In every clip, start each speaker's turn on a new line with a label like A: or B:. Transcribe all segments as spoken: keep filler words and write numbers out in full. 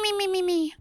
A: mi mi mi mi.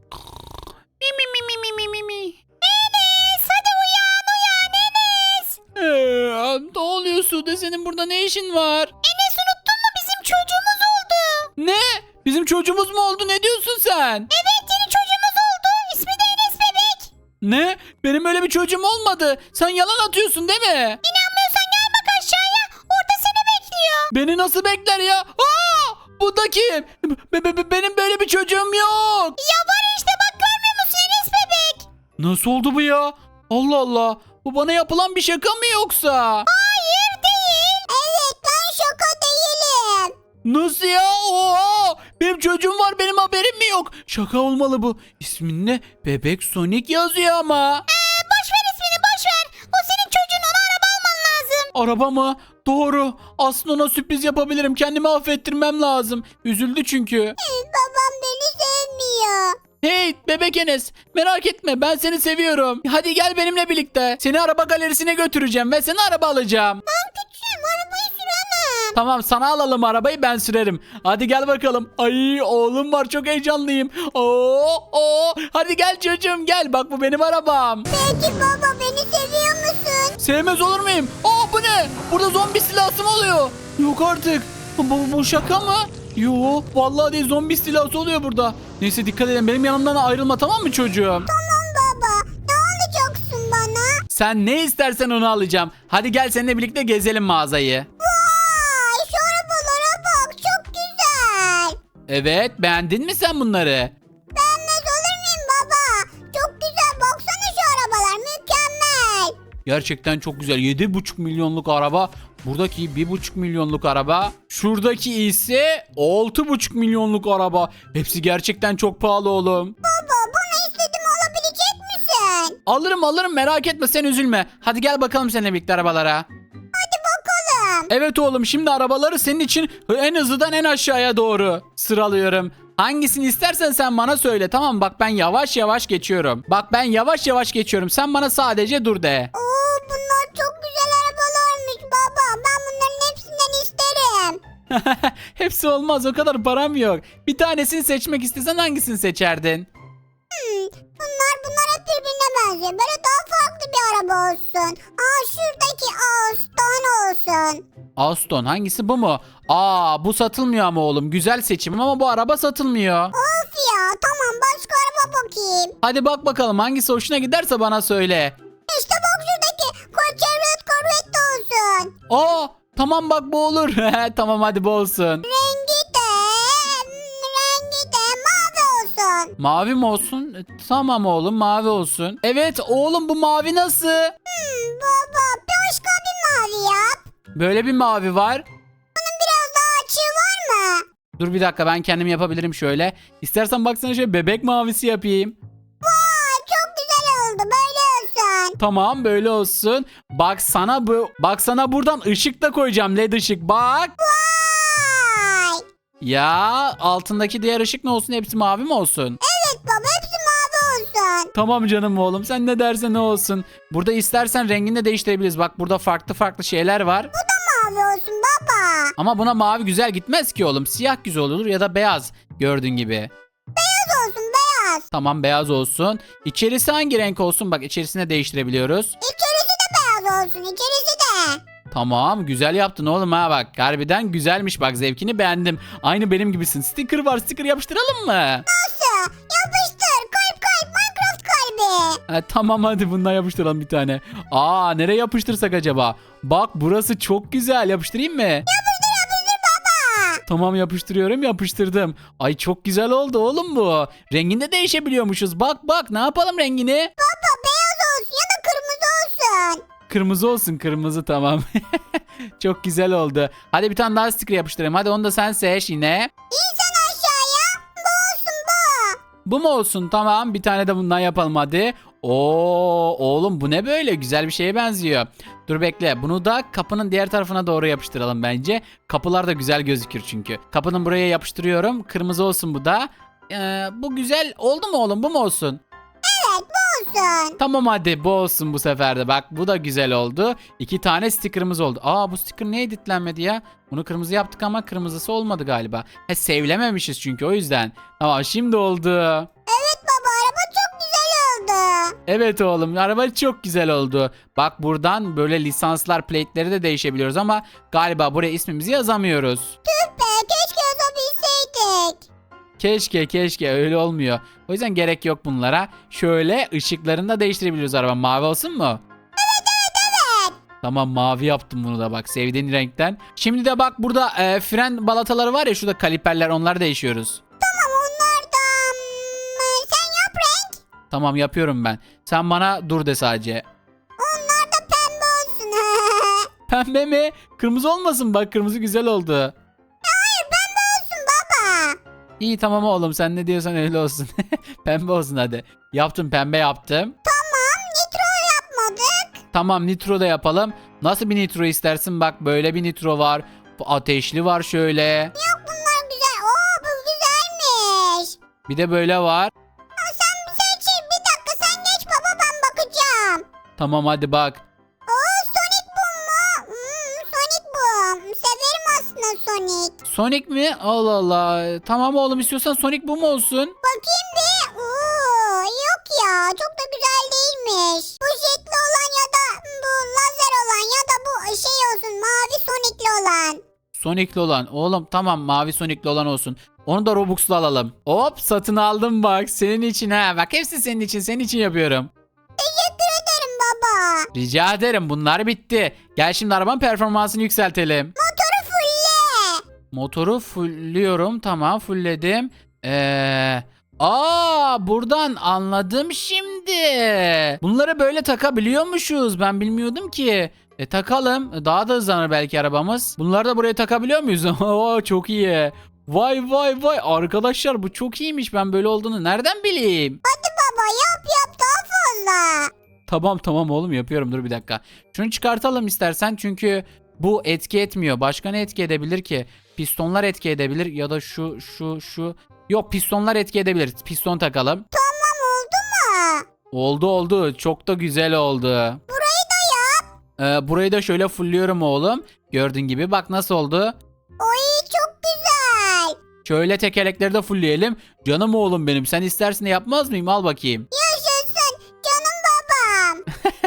A: Mi mi mi mi mi mi mi mi.
B: Enes hadi uyan uyan Enes.
A: Ee, ne oluyor Sude, senin burada ne işin var?
B: Enes unuttun mu bizim çocuğumuz oldu.
A: Ne? Bizim çocuğumuz mu oldu, ne diyorsun sen?
B: Evet yeni çocuğumuz oldu. İsmi de Enes bebek.
A: Ne? Benim öyle bir çocuğum olmadı. Sen yalan atıyorsun değil mi?
B: İnanmıyorsan gel bak aşağıya. Orada seni bekliyor.
A: Beni nasıl bekler ya? Aa! Bu da kim? Be- be- be- benim böyle bir çocuğum yok.
B: Ya var işte bak görmüyor musun Enes bebek?
A: Nasıl oldu bu ya? Allah Allah. Bu bana yapılan bir şaka mı yoksa?
B: Hayır değil. Evet ben şaka değilim.
A: Nasıl ya? Oha! Benim çocuğum var, benim haberim mi yok? Şaka olmalı bu. İsminde Bebek Sonic yazıyor ama.
B: Ee, boş ver ismini boş ver. O senin çocuğun, ona araba alman lazım.
A: Araba mı? Doğru. Aslında ona sürpriz yapabilirim. Kendimi affettirmem lazım. Üzüldü çünkü.
B: Babam beni sevmiyor.
A: Hey bebek Enes, merak etme, ben seni seviyorum. Hadi gel benimle birlikte. Seni araba galerisine götüreceğim ve sana araba alacağım.
B: Ben küçüğüm arabayı süremem.
A: Tamam, sana alalım arabayı, ben sürerim. Hadi gel bakalım. Ay oğlum var, çok heyecanlıyım. Oo, oo. Hadi gel çocuğum gel, bak bu benim arabam.
B: Peki baba beni seviyor musun?
A: Sevmez olur muyum? Aa bu ne? Burada zombi silahsı mı oluyor? Yok artık. Bu, bu şaka mı? Yo vallahi değil, zombi istilası oluyor burada. Neyse dikkat edin, benim yanımdan ayrılma, tamam mı çocuğum?
B: Tamam baba. Ne alacaksın bana?
A: Sen ne istersen onu alacağım. Hadi gel seninle birlikte gezelim mağazayı.
B: Vay şu arabalara bak çok güzel.
A: Evet, beğendin mi sen bunları?
B: Beğenmez olur muyum baba? Çok güzel baksana şu arabalar mükemmel.
A: Gerçekten çok güzel. yedi buçuk milyonluk araba. Buradaki bir buçuk milyonluk araba. Şuradaki ise altı buçuk milyonluk araba. Hepsi gerçekten çok pahalı oğlum.
B: Baba bana istediğimi alabilecek misin?
A: Alırım alırım, merak etme, sen üzülme. Hadi gel bakalım seninle birlikte arabalara.
B: Hadi bakalım.
A: Evet oğlum, şimdi arabaları senin için en hızlıdan en aşağıya doğru sıralıyorum. Hangisini istersen sen bana söyle, tamam mı? Bak ben yavaş yavaş geçiyorum. Bak ben yavaş yavaş geçiyorum. Sen bana sadece dur de.
B: Oo bunlar çok güzel arabalarmış baba. Ben bunların hepsinden isterim.
A: Hepsi olmaz, o kadar param yok. Bir tanesini seçmek istesen hangisini seçerdin?
B: Hmm, bunlar bunlar hep birbirine benziyor. Böyle daha farklı bir araba olsun. Aa şuradaki Aston olsun.
A: Aston hangisi, bu mu? Aa bu satılmıyor ama oğlum. Güzel seçim ama bu araba satılmıyor.
B: Of ya tamam başka araba bakayım.
A: Hadi bak bakalım, hangisi hoşuna giderse bana söyle.
B: İşte bak şuradaki Chevrolet Corvette olsun.
A: Aa tamam bak, bu olur. Tamam hadi bu olsun.
B: Rengi de hmm, rengi de mavi olsun.
A: Mavi mi olsun? E, Tamam oğlum, mavi olsun. Evet oğlum, bu mavi nasıl?
B: Hmm, baba başka bir mavi yap.
A: Böyle bir mavi var.
B: Bunun biraz daha açığı var mı?
A: Dur bir dakika, ben kendim yapabilirim şöyle. İstersen baksana, şöyle bebek mavisi yapayım.
B: Vay çok güzel oldu böyle olsun.
A: Tamam böyle olsun. Bak sana bu bak sana buradan ışık da koyacağım, led ışık. Bak.
B: Vay.
A: Ya altındaki diğer ışık ne olsun? Hepsi mavi mi olsun?
B: Evet baba hepsi mavi olsun.
A: Tamam canım oğlum, sen ne dersen ne olsun. Burada istersen rengini de değiştirebiliriz. Bak burada farklı farklı şeyler var.
B: Mavi olsun baba.
A: Ama buna mavi güzel gitmez ki oğlum. Siyah güzel olur ya da beyaz, gördüğün gibi.
B: Beyaz olsun beyaz.
A: Tamam beyaz olsun. İçerisi hangi renk olsun? Bak içerisine değiştirebiliyoruz.
B: İçerisi de beyaz olsun içerisi de.
A: Tamam güzel yaptın oğlum ha, bak. Harbiden güzelmiş, bak zevkini beğendim. Aynı benim gibisin. Sticker var, sticker yapıştıralım mı?
B: Nasıl? Yapıştır kalp kalp Minecraft kalbi.
A: Ha, tamam hadi bundan yapıştıralım bir tane. Aa nereye yapıştırsak acaba? Bak burası çok güzel, yapıştırayım mı?
B: Yapıştır yapıştır baba.
A: Tamam yapıştırıyorum, yapıştırdım. Ay çok güzel oldu oğlum bu. Renginde değişebiliyormuşuz. Bak bak, ne yapalım rengini?
B: Baba beyaz olsun ya da kırmızı olsun.
A: Kırmızı olsun, kırmızı tamam. Çok güzel oldu. Hadi bir tane daha sticker yapıştırayım. Hadi onu da sen seç yine.
B: İnsan aşağıya. Bu olsun bu.
A: Bu mu olsun? Tamam bir tane de bundan yapalım hadi. Oo oğlum bu ne böyle? Güzel bir şeye benziyor. Dur bekle. Bunu da kapının diğer tarafına doğru yapıştıralım bence. Kapılar da güzel gözükür çünkü. Kapının buraya yapıştırıyorum. Kırmızı olsun bu da. Ee, bu güzel oldu mu oğlum? Bu mu olsun?
B: Evet bu olsun.
A: Tamam hadi bu olsun bu sefer de. Bak bu da güzel oldu. İki tane sticker'ımız oldu. Aa bu sticker niye editlenmedi ya? Bunu kırmızı yaptık ama kırmızısı olmadı galiba. He sevlememişiz çünkü o yüzden. Tamam şimdi oldu.
B: Evet baba, araba çok güzel oldu.
A: Evet oğlum araba çok güzel oldu. Bak buradan böyle lisanslar plate'leri de değişebiliyoruz ama galiba buraya ismimizi yazamıyoruz.
B: Tüh be, keşke yazabilseydik.
A: Keşke keşke öyle olmuyor. O yüzden gerek yok bunlara. Şöyle ışıklarını da değiştirebiliyoruz araba. Mavi olsun mu?
B: Evet evet evet.
A: Tamam mavi yaptım bunu da bak sevdiğin renkten. Şimdi de bak burada e, fren balataları var ya şurada kaliperler onları değişiyoruz.
B: Tamam, onlar da hmm, sen yap renk.
A: Tamam yapıyorum ben. Sen bana dur de sadece.
B: Onlar da pembe olsun.
A: Pembe mi? Kırmızı olmasın bak kırmızı güzel oldu.
B: Hayır, pembe olsun baba.
A: İyi tamam oğlum sen ne diyorsan öyle olsun. Pembe olsun hadi. Yaptım pembe yaptım.
B: Tamam, nitro yapmadık.
A: Tamam nitro da yapalım. Nasıl bir nitro istersin? Bak böyle bir nitro var. Bu ateşli var şöyle.
B: Yok, bunlar güzel. Oo, bu güzelmiş.
A: Bir de böyle var.
B: Aa, sen seç. Bir dakika, sen geç baba, ben bakacağım.
A: Tamam hadi bak.
B: Oo, Sonic Boom mu? Hmm, Sonic Boom. Severim aslında Sonic.
A: Sonic mi? Allah Allah. Tamam oğlum istiyorsan Sonic bu mu olsun?
B: Bakayım bir. Oo, yok ya, çok da güzel değilmiş. Bu jetli olan ya da bu lazer olan ya da bu şey olsun, mavi Sonic'li olan.
A: Sonic'li olan. Oğlum tamam mavi Sonic'li olan olsun. Onu da Robux'la alalım. Hop satın aldım bak. Senin için ha. Bak hepsi senin için. Senin için yapıyorum.
B: Teşekkür ederim baba.
A: Rica ederim. Bunlar bitti. Gel şimdi arabanın performansını yükseltelim.
B: Motoru fulle.
A: Motoru fullliyorum. Tamam fullledim. Eee... Aa buradan anladım şimdi. Bunları böyle takabiliyormuşuz. Ben bilmiyordum ki. E takalım. Daha da hızlanır belki arabamız. Bunları da buraya takabiliyor muyuz? Oo çok iyi. Vay vay vay. Arkadaşlar bu çok iyiymiş. Ben böyle olduğunu nereden bileyim?
B: Hadi baba, yap yap daha fazla.
A: Tamam tamam oğlum yapıyorum. Dur bir dakika. Şunu çıkartalım istersen çünkü bu etki etmiyor. Başka ne etki edebilir ki? Pistonlar etki edebilir ya da şu şu şu. Yok pistonlar etki edebilir. Piston takalım.
B: Tamam, oldu mu?
A: Oldu oldu. Çok da güzel oldu.
B: Burayı da yap.
A: Ee, burayı da şöyle fullliyorum oğlum. Gördüğün gibi bak nasıl oldu.
B: Oy, çok güzel.
A: Şöyle tekerlekleri de fullleyelim. Canım oğlum benim. Sen istersin de yapmaz mıyım? Al bakayım.
B: Yaşasın canım babam.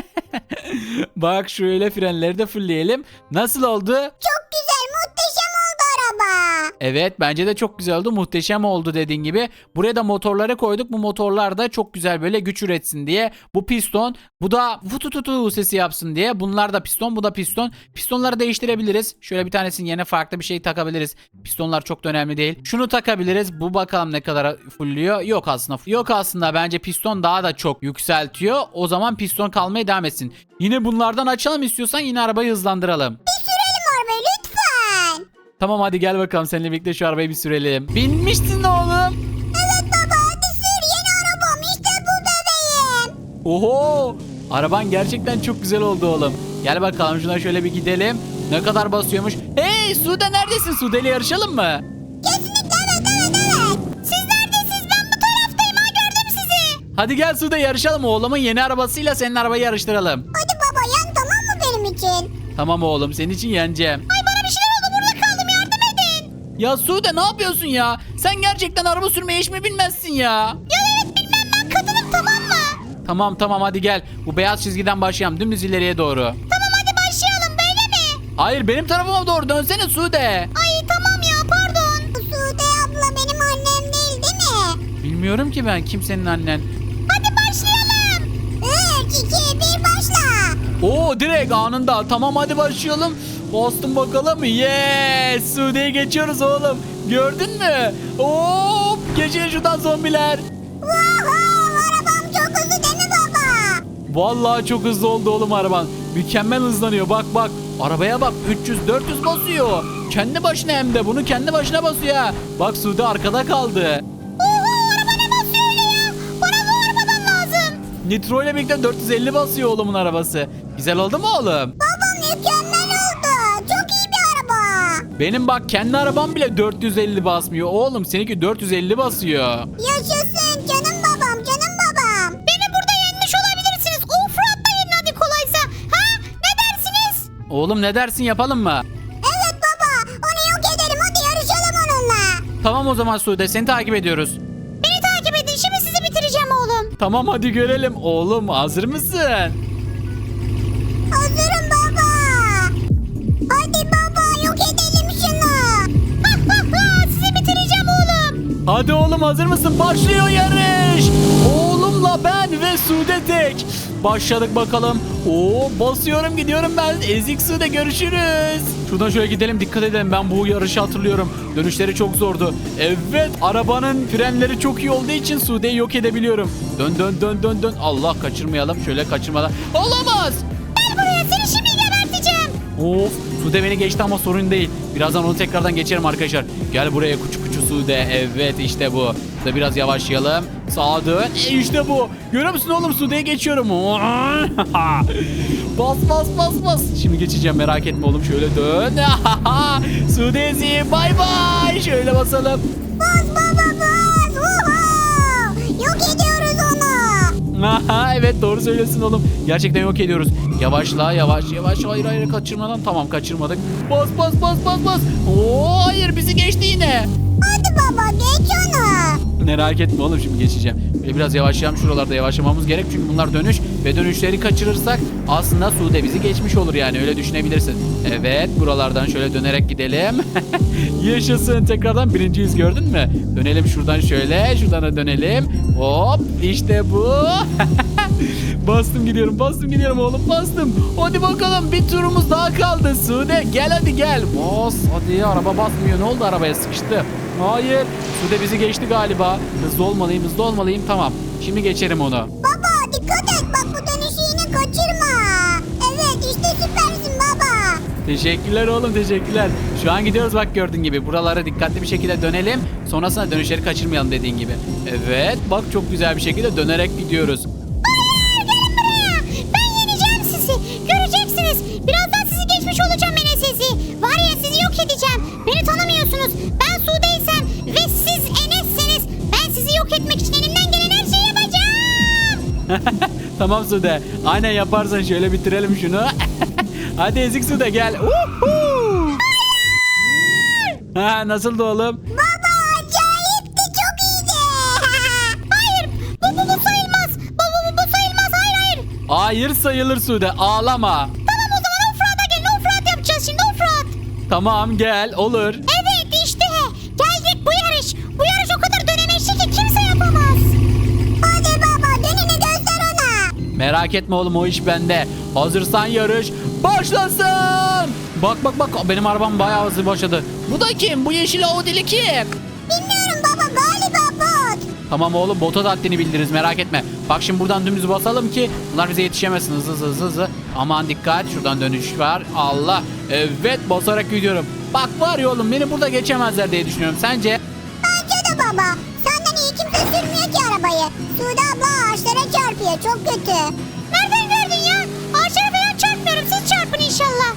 A: Bak şöyle frenleri de fullleyelim. Nasıl oldu?
B: Çok güzel, muhteşem oldu araba.
A: Evet bence de çok güzel oldu. Muhteşem oldu dediğin gibi. Buraya da motorları koyduk. Bu motorlar da çok güzel böyle güç üretsin diye. Bu piston. Bu da vutututu sesi yapsın diye. Bunlar da piston. Bu da piston. Pistonları değiştirebiliriz. Şöyle bir tanesinin yerine farklı bir şey takabiliriz. Pistonlar çok da önemli değil. Şunu takabiliriz. Bu bakalım ne kadar fullüyor. Yok aslında. Yok aslında bence piston daha da çok yükseltiyor. O zaman piston kalmaya devam etsin. Yine bunlardan açalım istiyorsan yine arabayı hızlandıralım.
B: Bir sürelim arabayı lütfen.
A: Tamam hadi gel bakalım seninle birlikte şu arabayı bir sürelim. Binmişsin oğlum.
B: Evet baba, hadi sür, yeni arabam işte bu bebeğim.
A: Oho! Araban gerçekten çok güzel oldu oğlum. Gel bakalım şuna şöyle bir gidelim. Ne kadar basıyormuş. Hey Sude neredesin? Sude ile yarışalım mı?
B: Kesinlikle evet evet evet. Siz neredesiniz? Ben bu taraftayım, ha gördüm sizi.
A: Hadi gel Sude yarışalım. Oğlumun yeni arabasıyla senin arabayı yarıştıralım.
B: Hadi baba, yan tamam mı benim için?
A: Tamam oğlum senin için yeneceğim.
B: Ay, bana bir şeyler oldu, burada kaldım, yardım edin.
A: Ya Sude ne yapıyorsun ya? Sen gerçekten araba sürmeyi hiç mi bilmezsin ya?
B: Ya evet, bilmem, ben kadınım tamam mı?
A: Tamam tamam hadi gel. Bu beyaz çizgiden başlayalım dümdüz ileriye doğru.
B: Tamam hadi başlayalım, böyle mi?
A: Hayır benim tarafıma doğru dönsene Sude.
B: Ay tamam ya, pardon. Bu Sude abla benim annem değil değil mi?
A: Bilmiyorum ki ben kimsenin annen.
B: Hadi başlayalım. üç, iki, bir, başla.
A: Oo direkt anında. Tamam hadi başlayalım. Bastım bakalım. Yes! Sude'yi geçiyoruz oğlum. Gördün mü? Hop! Geçin şuradan zombiler.
B: Wow, arabam çok hızlı değil mi baba?
A: Vallahi çok hızlı oldu oğlum araban. Mükemmel hızlanıyor. Bak bak. Arabaya bak. üç yüz dört yüz basıyor. Kendi başına hem de. Bunu kendi başına basıyor ha. Bak Sude arkada kaldı.
B: Oho, araba ne basıyor öyle ya? Bana bu arabadan lazım.
A: Nitro ile birlikte dört yüz elli basıyor oğlumun arabası. Güzel oldu mu oğlum?
B: Baba mükemmel oldu. Çok iyi bir araba.
A: Benim bak kendi arabam bile dört yüz elli basmıyor. Oğlum seninki dört yüz elli basıyor.
B: Yaşasın canım babam, canım babam. Beni burada yenmiş
A: Oğlum ne dersin, yapalım mı?
B: Evet baba, onu yok edelim, hadi yarışalım onunla.
A: Tamam o zaman Sude, seni takip ediyoruz.
B: Beni takip edin, şimdi sizi bitireceğim oğlum.
A: Tamam hadi görelim. Oğlum hazır mısın?
B: Hazırım baba. Hadi baba, yok edelim şunu. Sizi bitireceğim oğlum.
A: Hadi oğlum hazır mısın? Başlıyor yarış. Oğlumla ben ve Sude tek. Başladık bakalım. Oo, basıyorum gidiyorum ben. Ezik Sude, görüşürüz. Şuradan şöyle gidelim, dikkat edelim. Ben bu yarışı hatırlıyorum. Dönüşleri çok zordu. Evet, arabanın frenleri çok iyi olduğu için Sude'yi yok edebiliyorum. Dön dön dön dön dön. Allah, kaçırmayalım. Şöyle kaçırmadan. Olamaz.
B: Gel buraya, seni şimdi geberteceğim.
A: Of, Sude beni geçti ama sorun değil. Birazdan onu tekrardan geçerim arkadaşlar. Gel buraya kuçu kuçu Sude. Evet işte bu. Şurada biraz yavaşlayalım. Sağa dön. E işte bu. Görüyor musun oğlum, Sude'ye geçiyorum. Bas bas bas bas. Şimdi geçeceğim, merak etme oğlum. Şöyle dön. Sude'zi bay bay. Şöyle basalım.
B: Bas baba bas. Uhu. Yok ediyoruz onu.
A: Aha, evet doğru söylüyorsun oğlum. Gerçekten yok ediyoruz. Yavaşla, yavaş yavaş. Hayır hayır, kaçırmadan. Tamam, kaçırmadık. Bas bas bas bas bas. Oo, hayır, bizi geçti yine.
B: Hadi baba, geç onu.
A: Merak etme oğlum, şimdi geçeceğim. Böyle biraz yavaşlayalım, şuralarda yavaşlamamız gerek. Çünkü bunlar dönüş ve dönüşleri kaçırırsak aslında Sude bizi geçmiş olur, yani öyle düşünebilirsin. Evet, buralardan şöyle dönerek gidelim. Yaşasın, tekrardan birinciyiz, gördün mü? Dönelim şuradan şöyle, şuradan da dönelim. Hop, işte bu. Bastım gidiyorum, bastım gidiyorum oğlum, bastım. Hadi bakalım, bir turumuz daha kaldı. Sude gel, hadi gel. Bas hadi, araba basmıyor, ne oldu, arabaya sıkıştı. Hayır, Sude bizi geçti galiba. Hızlı olmalıyım, hızlı olmalıyım. Tamam, şimdi geçerim onu.
B: Baba dikkat et, bak bu dönüşü yine kaçırma. Evet işte süpersin baba.
A: Teşekkürler oğlum, teşekkürler. Şu an gidiyoruz bak, gördüğün gibi. Buralara dikkatli bir şekilde dönelim. Sonrasında dönüşleri kaçırmayalım dediğin gibi. Evet, bak çok güzel bir şekilde dönerek gidiyoruz.
B: Hayır, gelin buraya. Ben yeneceğim sizi. Göreceksiniz. Birazdan sizi geçmiş olacağım Enes'esi. Var ya, sizi yok edeceğim. Beni tanımıyorsunuz. Ben Sude'ysem ve siz Enes'seniz ben sizi yok etmek için elimden gelen her şeyi yapacağım.
A: Tamam Sude. Aynen yaparsan şöyle bitirelim şunu. Hadi ezik Sude gel. Uhu. Ha, nasıldı oğlum?
B: Baba acayipti, çok iyiydi. Hayır, bu, bu, bu sayılmaz. Bu, bu, bu, bu sayılmaz, hayır hayır.
A: Hayır sayılır Sude, ağlama.
B: Tamam o zaman offroad'a gelin, offroad yapacağız şimdi, offroad.
A: Tamam gel, olur.
B: Evet işte geldik, bu yarış. Bu yarış o kadar dönemeçli ki kimse yapamaz. Hadi baba, dönünü göster ona.
A: Merak etme oğlum, o iş bende. Hazırsan yarış başlasın. Bak bak bak, benim arabam bayağı hızlı başladı. Bu da kim? Bu yeşil Audi'li kim?
B: Bilmiyorum baba, galiba bot.
A: Tamam oğlum, bota da haddini bildiririz, merak etme. Bak şimdi buradan dümdüz basalım ki bunlar bize yetişemesin, hızlı hızlı hızlı hızlı. Aman dikkat, şuradan dönüş var. Allah, evet basarak gidiyorum. Bak var ya oğlum, beni burada geçemezler diye düşünüyorum, sence?
B: Bence de baba. Senden iyi kimse sürmüyor ki arabayı. Sude abla ağaçlara çarpıyor, çok kötü. Nereden gördün ya? Ağaçlara falan çarpmıyorum, siz çarpın inşallah.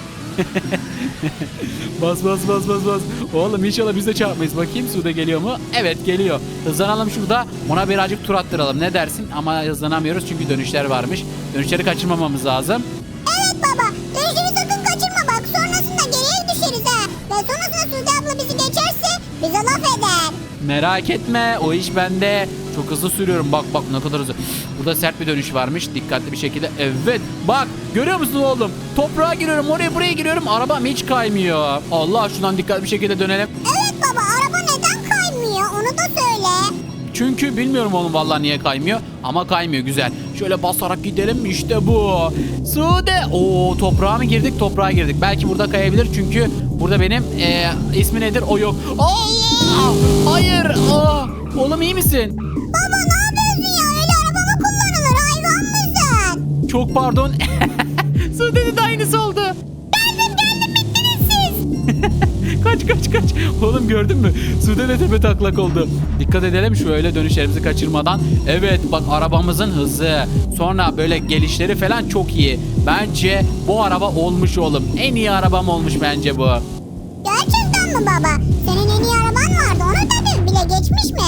A: Bas bas bas bas bas. Oğlum inşallah biz de çarpmayız. Bakayım Sude geliyor mu? Evet geliyor. Hızlanalım şurada. Ona birazcık tur attıralım. Ne dersin? Ama hızlanamıyoruz çünkü dönüşler varmış. Dönüşleri kaçırmamamız lazım.
B: Evet baba, dönüşünü sakın kaçırma bak. Sonrasında geriye düşeriz ha. Ve sonrasında Sude abla bizi geçerse bize laf eder.
A: Merak etme, o iş bende. Çok hızlı sürüyorum, bak bak ne kadar hızlı. Burada sert bir dönüş varmış, dikkatli bir şekilde. Evet bak, görüyor musun oğlum? Toprağa giriyorum, oraya buraya giriyorum, arabam hiç kaymıyor. Allah, şuradan dikkatli bir şekilde dönelim.
B: Evet baba, araba neden kaymıyor onu da söyle.
A: Çünkü bilmiyorum oğlum vallahi niye kaymıyor, ama kaymıyor, güzel. Şöyle basarak gidelim, işte bu. Sude, oo toprağa mı girdik? Toprağa girdik. Belki burada kayabilir çünkü burada benim ee, ismi nedir? O yok. Allah! Hayır! Aa! Oğlum iyi misin?
B: Baba ne yapıyorsun ya? Öyle araba mı kullanılır? Hayvan mısın?
A: Çok pardon. Sude'nin de aynısı oldu.
B: Geldim geldim, bittiniz siz.
A: Kaç kaç kaç. Oğlum gördün mü? Sude de tepe taklak oldu. Dikkat edelim şöyle dönüşlerimizi kaçırmadan. Evet bak, arabamızın hızı. Sonra böyle gelişleri falan çok iyi. Bence bu araba olmuş oğlum. En iyi arabam olmuş bence bu.
B: Gerçekten mi baba? Senin en iyi araban vardı, ona da bir bile geçmiş mi?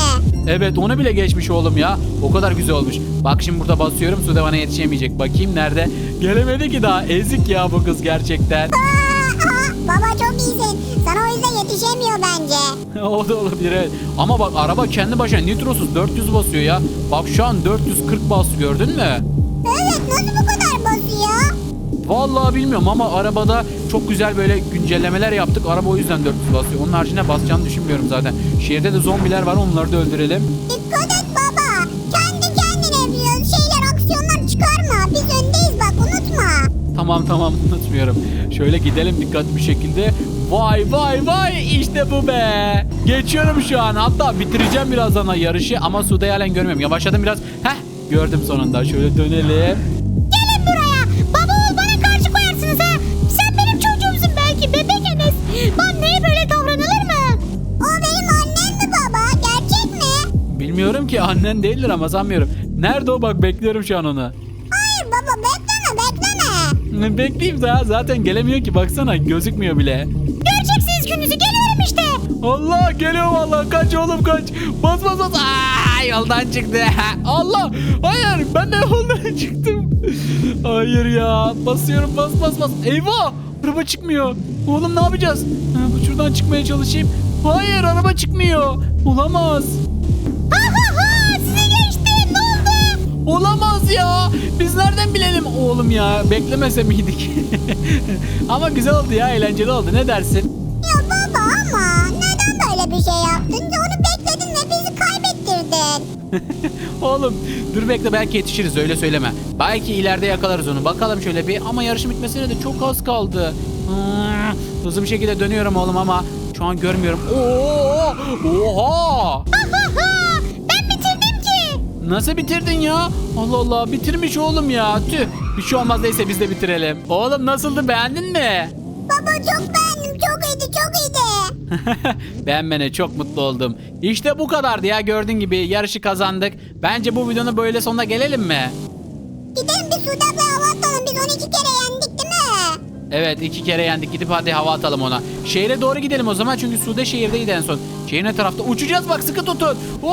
A: Evet onu bile geçmiş oğlum ya. O kadar güzel olmuş. Bak şimdi burada basıyorum. Sude bana yetişemeyecek. Bakayım nerede? Gelemedi ki daha. Ezik ya bu kız gerçekten.
B: Aa, aa, baba çok iyisin. Sana o yüzden yetişemiyor bence.
A: O da olabilir evet. Ama bak araba kendi başına nitrosuz dört yüz basıyor ya. Bak şu an dört yüz kırk bastı gördün mü?
B: Evet nasıl bu kadar basıyor?
A: Vallahi bilmiyorum ama arabada çok güzel böyle güncellemeler yaptık. Araba o yüzden dört yüz basıyor. Onun haricinde basacağını düşünmüyorum zaten. Şehirde de zombiler var onları da öldürelim.
B: Dikkat et baba. Kendi kendine bir şeyler aksiyonlar çıkarma. Biz öndeyiz bak unutma.
A: Tamam tamam unutmuyorum. Şöyle gidelim dikkatli bir şekilde. Vay vay vay işte bu be. Geçiyorum şu an hatta bitireceğim birazdan yarışı ama Sude'yi halen görmüyorum. Yavaşladım biraz. Heh gördüm sonunda şöyle dönelim.
B: Gelin buraya. Baba oğul bana karşı koyarsınız ha. Sen benim çocuğumsun belki bebek Enes. Anneye böyle davranılır mı? O benim annem mi baba? Gerçek mi?
A: Bilmiyorum ki annen değildir ama sanmıyorum. Nerede o bak bekliyorum şu an onu.
B: Hayır baba bekleme bekleme.
A: Bekleyeyim daha zaten gelemiyor ki baksana gözükmüyor bile.
B: Göreceksiniz gününüzü geliyorum işte.
A: Allah geliyor vallahi kaç oğlum kaç. Bas bas bas. Aa, yoldan çıktı. Allah hayır ben de yoldan çıktım. Hayır ya basıyorum bas bas bas. Eyvah araba çıkmıyor. Oğlum ne yapacağız? Ha, şuradan çıkmaya çalışayım. Hayır araba çıkmıyor. Olamaz.
B: Ha ha ha size geçti ne oldu?
A: Olamaz ya. Biz nereden bilelim oğlum ya. Beklemese miydik? Ama güzel oldu ya eğlenceli oldu ne dersin?
B: Ya baba ama neden böyle bir şey yaptın? Onu bekledin ve bizi kaybettirdin.
A: Oğlum dur bekle belki yetişiriz öyle söyleme. Belki ileride yakalarız onu. Bakalım şöyle bir ama yarışın bitmesine de çok az kaldı. Hmm, hızlı bir şekilde dönüyorum oğlum ama şu an görmüyorum. Oo! Oha!
B: Ha ha ha ben bitirdim ki.
A: Nasıl bitirdin ya? Allah Allah bitirmiş oğlum ya. Tüh. Bir şey olmaz neyse biz de bitirelim. Oğlum nasıldı beğendin mi?
B: Baba çok beğendim çok iyiydi çok iyiydi.
A: Beğenmene çok mutlu oldum. İşte bu kadardı ya gördüğün gibi yarışı kazandık. Bence bu videonun böyle sonuna gelelim mi?
B: Gidelim bir Sude ablaya hava atalım biz on iki kere yendik değil mi?
A: Evet iki kere yendik gidip hadi hava atalım ona. Şehre doğru gidelim o zaman çünkü Sude şehirdeydi en son. Şehrin ne tarafta uçacağız bak sıkı tutun. Oo!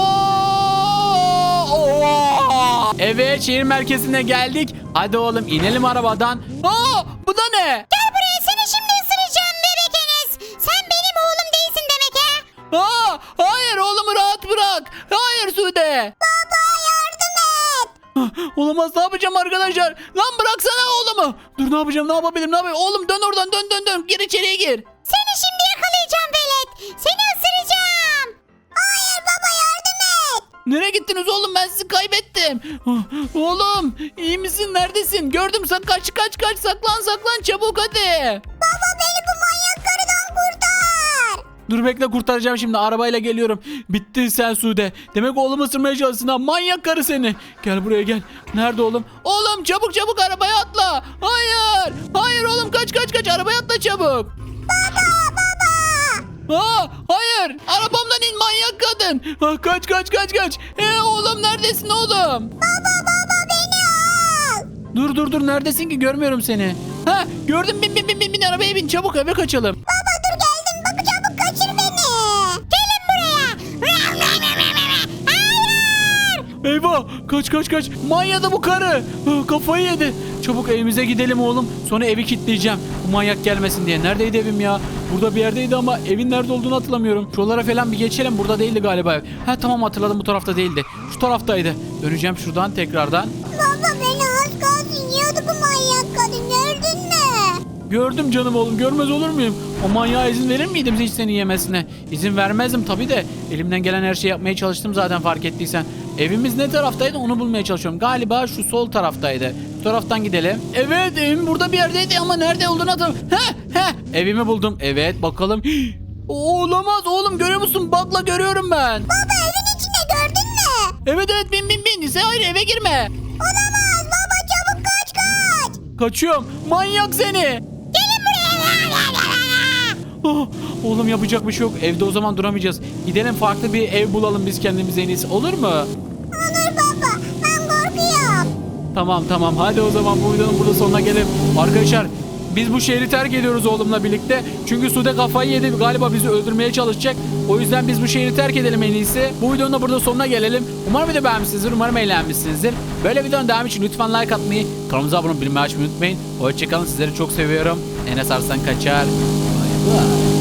A: Oo! Evet şehir merkezine geldik. Hadi oğlum inelim arabadan. Aa, bu da ne?
B: Gel buraya seni şimdi ısıracağım bebek Enes. Sen benim oğlum değilsin demek ha?
A: Aa, hayır oğlumu rahat bırak. Hayır Sude.
B: Baba yardım et.
A: Ah, olamaz ne yapacağım arkadaşlar? Lan bıraksana oğlumu. Dur ne yapacağım ne yapabilirim ne yapayım? Oğlum dön oradan dön dön dön. Gir içeriye gir.
B: Seni şimdi yakalayacağım velet. Seni ısıracağım. Hayır baba yardım et.
A: Nereye gittiniz oğlum ben sizi kaybettim. Ah, oğlum iyi misin neredesin? Gördüm sen kaç kaç kaç saklan saklan çabuk hadi.
B: Baba beni bu manyak karıdan kurtar.
A: Dur bekle kurtaracağım şimdi arabayla geliyorum. Bittin sen Sude. Demek oğlumu ısırmaya çalışsın ha manyak karı seni. Gel buraya gel. Nerede oğlum? Oğlum çabuk çabuk arabaya atla. Hayır. Hayır oğlum kaç kaç kaç arabaya atla çabuk.
B: Baba baba.
A: Aa, hayır arabamdan in manyak kadın. Ah, kaç kaç kaç kaç. Ee, oğlum neredesin oğlum?
B: Baba baba beni al.
A: Dur dur dur neredesin ki görmüyorum seni. Ha gördüm bin bin bin bin bin arabaya bin çabuk eve kaçalım.
B: Baba dur geldim bak çabuk kaçır beni. Gelin buraya. Hayır.
A: Eyvah kaç kaç kaç manyadı bu karı. Ah, kafayı yedi. Çabuk evimize gidelim oğlum. Sonra evi kilitleyeceğim. Bu manyak gelmesin diye. Neredeydi evim ya? Burada bir yerdeydi ama evin nerede olduğunu hatırlamıyorum. Şuralara falan bir geçelim. Burada değildi galiba ev. Ha tamam hatırladım bu tarafta değildi. Şu taraftaydı. Döneceğim şuradan tekrardan.
B: Baba beni az kalsın yiyordu bu manyak kadın gördün mü?
A: Gördüm canım oğlum görmez olur muyum? O manyağa izin verir miydim hiç seni yemesine? İzin vermezdim tabii de. Elimden gelen her şeyi yapmaya çalıştım zaten fark ettiysen. Evimiz ne taraftaydı onu bulmaya çalışıyorum. Galiba şu sol taraftaydı. Şu taraftan gidelim. Evet evim burada bir yerdeydi ama nerede olduğunu hatırlamıyorum. Heh heh evimi buldum. Evet bakalım. Olamaz oğlum görüyor musun? Bakla görüyorum ben.
B: Baba evin içinde gördün mü?
A: Evet evet bin bin bin. Sen hayır eve girme.
B: Olamaz baba çabuk kaç kaç.
A: Kaçıyorum. Manyak seni.
B: Gelin buraya.
A: Oh, oğlum yapacak bir şey yok. Evde o zaman duramayacağız. Gidelim farklı bir ev bulalım biz kendimize en iyisi. Olur mu?
B: Olur baba ben korkuyorum.
A: Tamam tamam. Hadi o zaman bu videonun burada sonuna gelelim. Arkadaşlar biz bu şehri terk ediyoruz oğlumla birlikte. Çünkü Sude kafayı yedi. Galiba bizi öldürmeye çalışacak. O yüzden biz bu şehri terk edelim en iyisi. Bu videonun da burada sonuna gelelim. Umarım video beğenmişsinizdir. Umarım eğlenmişsinizdir. Böyle videonun devamı için lütfen like atmayı, kanalımıza abone olmayı, bildirimleri açmayı unutmayın. Hoşçakalın. Sizleri çok seviyorum. Enes Arslan Kaçar. Bay bay.